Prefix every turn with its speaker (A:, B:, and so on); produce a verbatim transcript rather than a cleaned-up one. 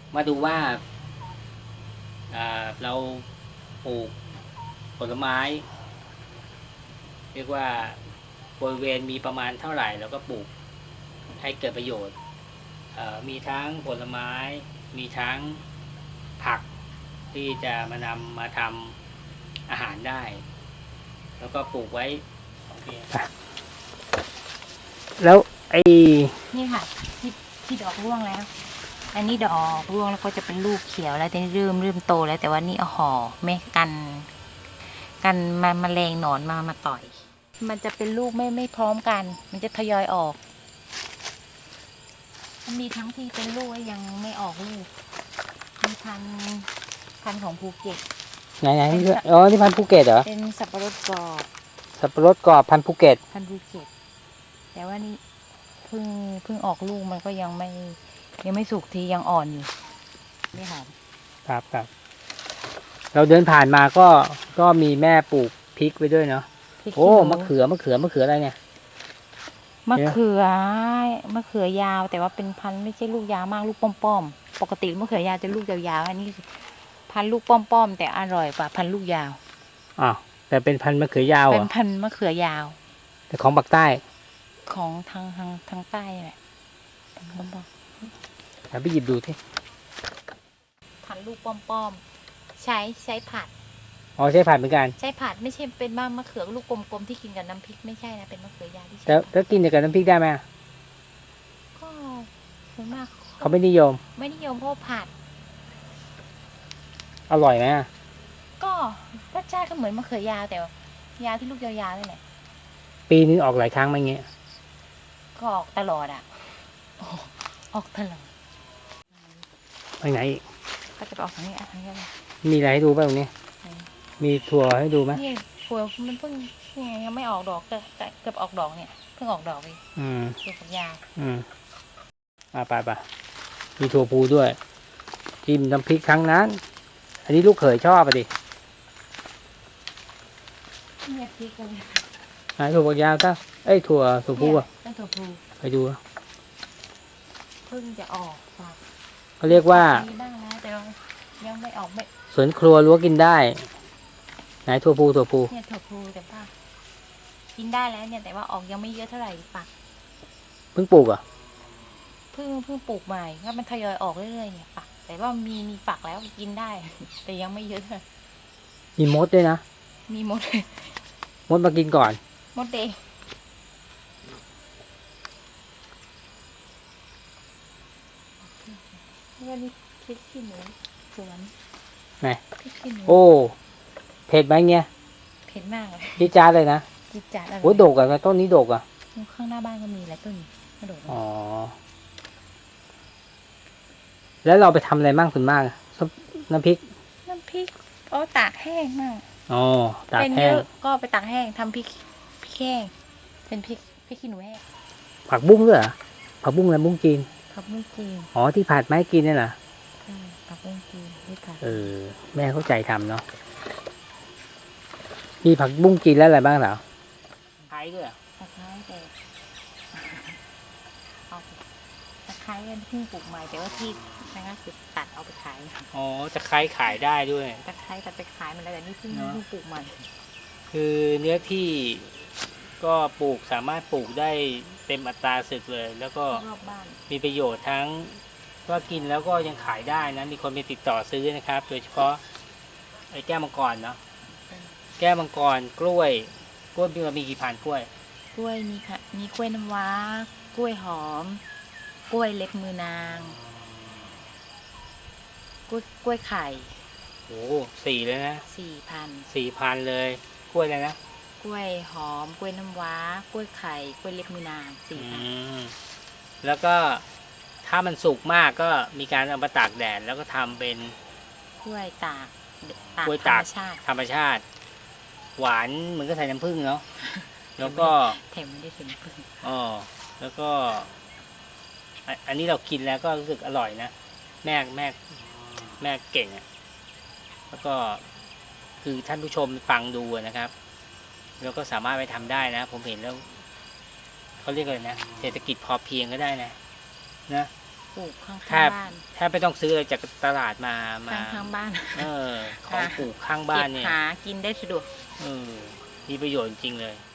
A: มาดูว่าเราปลูกผลไม้เรียกว่าบริเวณมีประมาณเท่าไหร่เราก็ปลูกให้เกิดประโยชน์มีทั้งผลไม้มีทั้งผักที่จะมานำมาทำอาหารได้แล้วก็ปลูกไว้โอเคแล้วไอ้
B: นี่ค่ะที่ที่ดอกร่วงแล้วอันนี้ดอกร่วงแล้วก็จะเป็นลูกเขียวแล้วแต่นี่เริ่มเริ่มโตแล้วแต่ว่านี่เอาห่อไม่กันกันมาแมลงหนอนมามาต่อยมันจะเป็นลูกไม่ไม่พร้อมกันมันจะทยอยออกมันมีทั้งที่เป็นลูกยังไม่ออกลูกมีพันพันของภูเก็ต
A: ไหนไหนอ๋อที่พันภูเก็ตเหรอ
B: เป็นสับปะรดกรอบ
A: สับปะรดกรอบพันภูเก็ต
B: พันภูเก็ตแต่ว่านี่เพิ่งเพิ่งออกลูกมันก็ยังไม่ยังไม่สุกทียังอ่อนอยู่นี่ค่ะ
A: ครับครับเราเดินผ่านมาก็ก็มีแม่ปลูกพริกไว้ด้วยเนาะโอ้มะเขือมะเขือมะเขืออะไรเนี่ย
B: มะเขือมะเขือยาวแต่ว่าเป็นพันธุ์ไม่ใช่ลูกยาวมากลูกป้อมๆปกติมะเขือยาวจะลูกยาวๆอันนี้พันธุ์ลูกป้อมๆแต่อร่อยกว่าพันธุ์ลูกยาว
A: อ๋อแต่เป็นพันธุ์มะเขือยาว
B: เป็นพันธุ์มะเขือยาว
A: แต่ของภาคใต้
B: ของทางทางทางใต้แหละบอก
A: แล้วไปหยิบดูที่
B: พันธุ์ลูกป้อมๆใช้ใช้ผัด
A: อ๋อใช้ผัดเหมือนกัน
B: ใช้ผัดไม่ใช่เป็นมะมะเขือลูกกลมๆที่กินกับน้ำพริกไม่ใช่นะเป็นมะเขือยาวที่ใช้
A: แล้วแล้วกินกับน้ำพริกได้ไหม
B: ก็ส่วนมาก
A: เขาไม่นิยม
B: ไม่นิยมเพราะผัด
A: อร่อยไหม
B: ก็รสชาติก็เหมือนมะเขือยาวแต่ยาวที่ลูกยาวๆนี่แหละ
A: ปีนึงออกหลายครั้งไหมเงี้ย
B: ก็ออกตลอดอ่ะออกตลอด
A: ไปไหนอีก
B: ก็จะออกทางนี้ทางนี้เลย
A: มีอะไรให้ดูบ้างตรงนี้มีถั่วให้ดูไหม
B: นี่ถั่วมันเพิ่งยังไม่ออกดอกแต่เกือบออกดอกเนี่ยเพิ่งออกดอกเลย
A: อืม
B: ถั่วฝักยาว
A: อืมอ่าไปไปมีถั่วพูด้วยจิ้มน้ำพริกครั้งนั้นอันนี้ลูกเขยชอบอ่ะดิ
B: เนี่ยพริกเลย
A: หาถั่วฝักยาวซะเอ้ยถั่วถั่วพูอ่ะ
B: ถั่วพู
A: ไปดู
B: เพิ่งจะออกฝัก
A: เขาเรียกว่า
B: บ้างแล้วแต่ยังไม่ออกไม่
A: สวนครัวรั้วกินได้ไหนถั่วพูถั่วพู
B: เนี่ยถั่วพูแต่ว่ากินได้แล้วเนี่ยแต่ว่าออกยังไม่เยอะเท่าไหร่ฝัก
A: เพิ่งปลูกอ่ะ
B: เพิ่งเพิ่งปลูกใหม่ก็มันทยอยออกเรื่อยๆเนี่ยฝักแต่ว่ามีมีฝักแล้วกินได้แต่ยังไม่เยอะ
A: มีมดด้วยนะ
B: มีมด
A: มดมากินก่อน
B: มดเด็กนี่นี่พริกขี้หนูสวน
A: ไหนโอ้เผ็ดไหมเงี้ย
B: เผ็ดมากเลย
A: ดีจ้าเลยนะ
B: ดีจ้าอะไร
A: โอ้โดกอะต้นนี้โดกอะ
B: ข้างหน้าบ้านก็มีหลายต้นกระโดด
A: อ๋อแล้วเราไปทำอะไรบ้างส่วนมากน้ำพริก
B: น้ำพริกอ๋อตากแห้งมาก
A: อ๋อตากแห้ง
B: ก็ไปตากแห้งทำพริกพริกแห้งเป็นพริกพริกขี้หนูแห้ง
A: ผักบุ้งด้วยเหรอผักบุ้งอะไรบุ้งจีน
B: ผักบุ้งจีน
A: อ๋อที่ผัดไม้กินนี่แหละ
B: ผักบุ้งจีนที่ผัด
A: เออแม่เข้าใจทำเนาะมีผักบุ้งจีนแล้วอะไรบ้างเหรอไคร้ด้วย
B: ตะไคร้แต่เอาตะไคร้เพิ่งปลูกใหม่แต่ว่าที่นะคะคือตัดเอาไปขาย
A: อ๋อตะไคร้ขายได้ด้วย
B: ตะไคร้ตัดไปขายมันแล้วแต่นี่เพิ่งเพิ่งปลูกใหม่
A: คือเนื้อที่ก็ปลูกสามารถปลูกได้เต็มอัตราศึกเลยแล้วก็มีประโยชน์ทั้งว่ากินแล้วก็ยังขายได้นะมีคนไปติดต่อซื้อนะครับโดยเฉพาะไอ้แก้วมังกรเนาะแก้วมังกรกล้วยกล้วยมีกี่พันกล้วย
B: กล้วยมีค่ะมีกล้วยน้ำว้ากล้วยหอมกล้วยเล็บมือนางกล้วยกล้วยไข่
A: โอ้สี่เลยนะ
B: สี่พัน
A: สี่พันเลยกล้วยอะไรนะ
B: กล้วยหอมกล้วยน้ำว้ากล้วยไข่กล้วยเล็บมือนางสี่พัน
A: แล้วก็ถ้ามันสุกมากก็มีการเอามาตากแดดแล้วก็ทำเป็น
B: กล้วยตาก
A: กล้วยตากธรรมชาติหวานเหมือนก็ใส่น้ำผึ้งเนาะแล้วก็
B: เค็มไม่ได้ใส่น้ำผึ้ง
A: อ๋อแล้วก็อันนี้เรากินแล้วก็รู้สึกอร่อยนะแม่แม่แม่เก่งอ่ะแล้วก็คือท่านผู้ชมฟังดูนะครับแล้วก็สามารถไปทำได้นะผมเห็นแล้วเขาเรียกอะไรนะเศรษฐกิจพอเพียงก็ได้นะนะ
B: ปลูกข้าง
A: แทบ
B: ๆบ้าน
A: แทบไม่ต้องซื้ออะไรจากตลาดมามา
B: ข้างๆบ้าน
A: เออของ
B: ค่ะ
A: ปลูกข้างบ้านเนี่ย
B: เก็บหากินได้สะดวก
A: เออมีประโยชน์จริงเลย